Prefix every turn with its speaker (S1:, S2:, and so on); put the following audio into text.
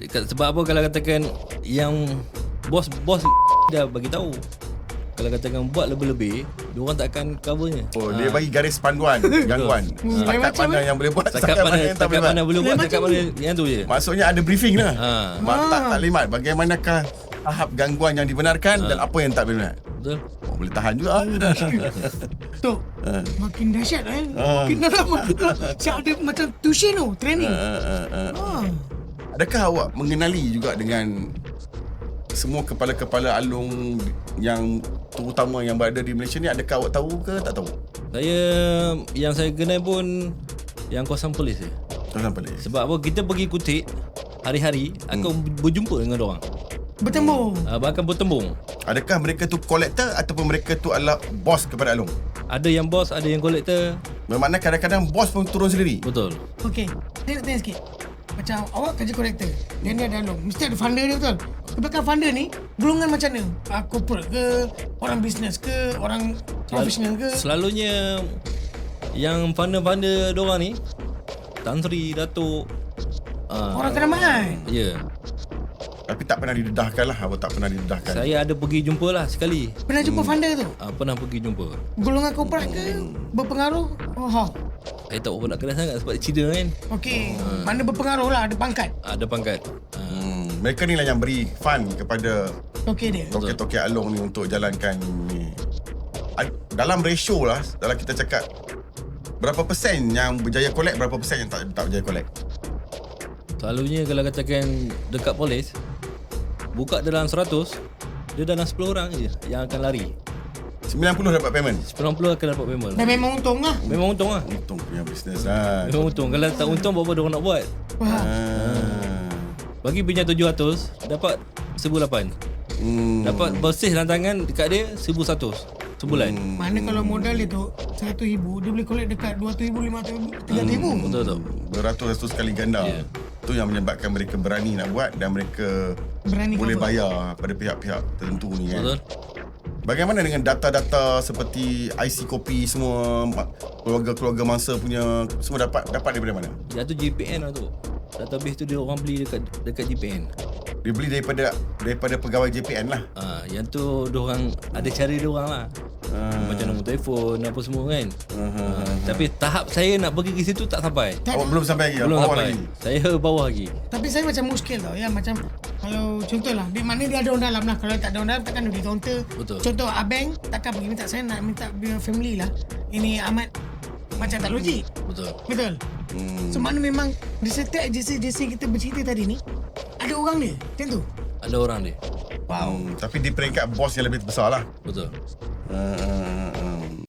S1: Sebab apa kalau katakan yang bos dah bagi tahu. Kalau katakan buat lebih-lebih, diorang tak akan covernya.
S2: Dia bagi garis panduan gangguan. Setakat mana yang boleh buat, setakat mana yang tak boleh buat.
S1: Boleh buat, setakat mana yang tu je.
S2: Maksudnya ada briefing lah. Taklimat bagaimanakah tahap gangguan yang dibenarkan dan apa yang tak benar.
S1: Betul.
S2: Boleh tahan juga.
S3: Tok, makin dahsyat kan. Makin dalam. Siap ada macam tuition tu, training.
S2: Adakah awak mengenali juga dengan semua kepala-kepala alung yang terutama yang berada di Malaysia ni? Adakah awak tahu ke tak tahu?
S1: Yang saya kenal pun yang kawasan polis je.
S2: Kawasan polis.
S1: Sebab apa, kita pergi Kutik hari-hari akan berjumpa dengan orang.
S3: Bertembung.
S1: Bahkan bertembung.
S2: Adakah mereka tu kolektor ataupun mereka tu adalah bos kepada alung?
S1: Ada yang bos, ada yang kolektor.
S2: Bermakna kadang-kadang bos pun turun sendiri.
S1: Betul.
S3: Okey, saya nak tanya sikit. Macam awak kerja kolektor, dan dia ada alung, mesti ada funder dia, betul? Sebabkan funder ni golongan macam mana? Corporate ke, orang bisnes ke, orang profesional ke?
S1: Selalunya yang funder-funder diorang ni Tan Sri, Datuk,
S3: orang teramat.
S1: ya.
S2: Tapi tak pernah didedahkan lah. Awak tak pernah didedahkan.
S1: Saya ada pergi jumpa lah sekali.
S3: Pernah jumpa funder tu?
S1: Pernah pergi jumpa.
S3: Golongan corporate ke? Berpengaruh?
S1: Saya tak nak kenal sangat sebab cerita kan.
S3: Okey, mana berpengaruh lah, ada pangkat.
S1: Ada pangkat.
S2: Mereka ni lah yang beri fund kepada
S3: Okey dia.
S2: toke-toke alung ni untuk jalankan ni. Dalam ratio lah, dalam kita cakap berapa persen yang berjaya collect, berapa persen yang tak berjaya collect?
S1: Selalunya kalau katakan dekat polis, buka dalam 100, dia dalam 10 orang je yang akan lari.
S2: 90 dapat payment.
S1: 90 akan dapat payment.
S3: Dan memang untung lah.
S1: Memang untung lah.
S2: Untung punya bisnes lah.
S1: Memang untung. Kalau tak untung, berapa dia orang nak buat? Bagi pinjam 700, dapat 1,800. Dapat bersih rantangan dekat dia 1,100 sebulan.
S3: Mana kalau modal dia tu 100,000, dia boleh collect dekat 200,000, 500,000, 300,000.
S1: Betul.
S2: Beratus-ratus kali ganda.
S1: Ya.
S2: Itu yang menyebabkan mereka berani nak buat dan mereka
S3: Berani
S2: boleh
S3: cover.
S2: bayar pada pihak-pihak tertentu ni kan.
S1: Betul.
S2: Bagaimana dengan data-data seperti IC kopi semua, keluarga-keluarga mangsa punya, semua dapat daripada mana?
S1: Yang tu GPN lah tu. Database tu dia orang beli dekat GPN.
S2: Dia beli daripada pegawai JPN lah.
S1: Yang tu diorang ada cara diorang lah. Macam nombor telefon apa semua kan. Tapi tahap saya nak pergi ke situ tak sampai.
S2: Awak belum sampai lagi?
S1: Belum
S2: bawah
S1: sampai.
S2: lagi?
S1: Saya bawah lagi.
S3: Tapi saya macam muskil tau ya. Macam kalau contohlah, di mana dia ada orang dalam lah. Kalau tak ada orang dalam takkan dia counter.
S1: Betul.
S3: Contoh abang takkan pergi minta, saya nak minta biar family lah. Ini amat macam tak logik. Betul. So mana memang di setiap agensi kita bercerita tadi ni ada orang dia macam tu.
S1: Ada orang dia.
S2: Tapi di peringkat bos yang lebih besar lah.
S1: Betul.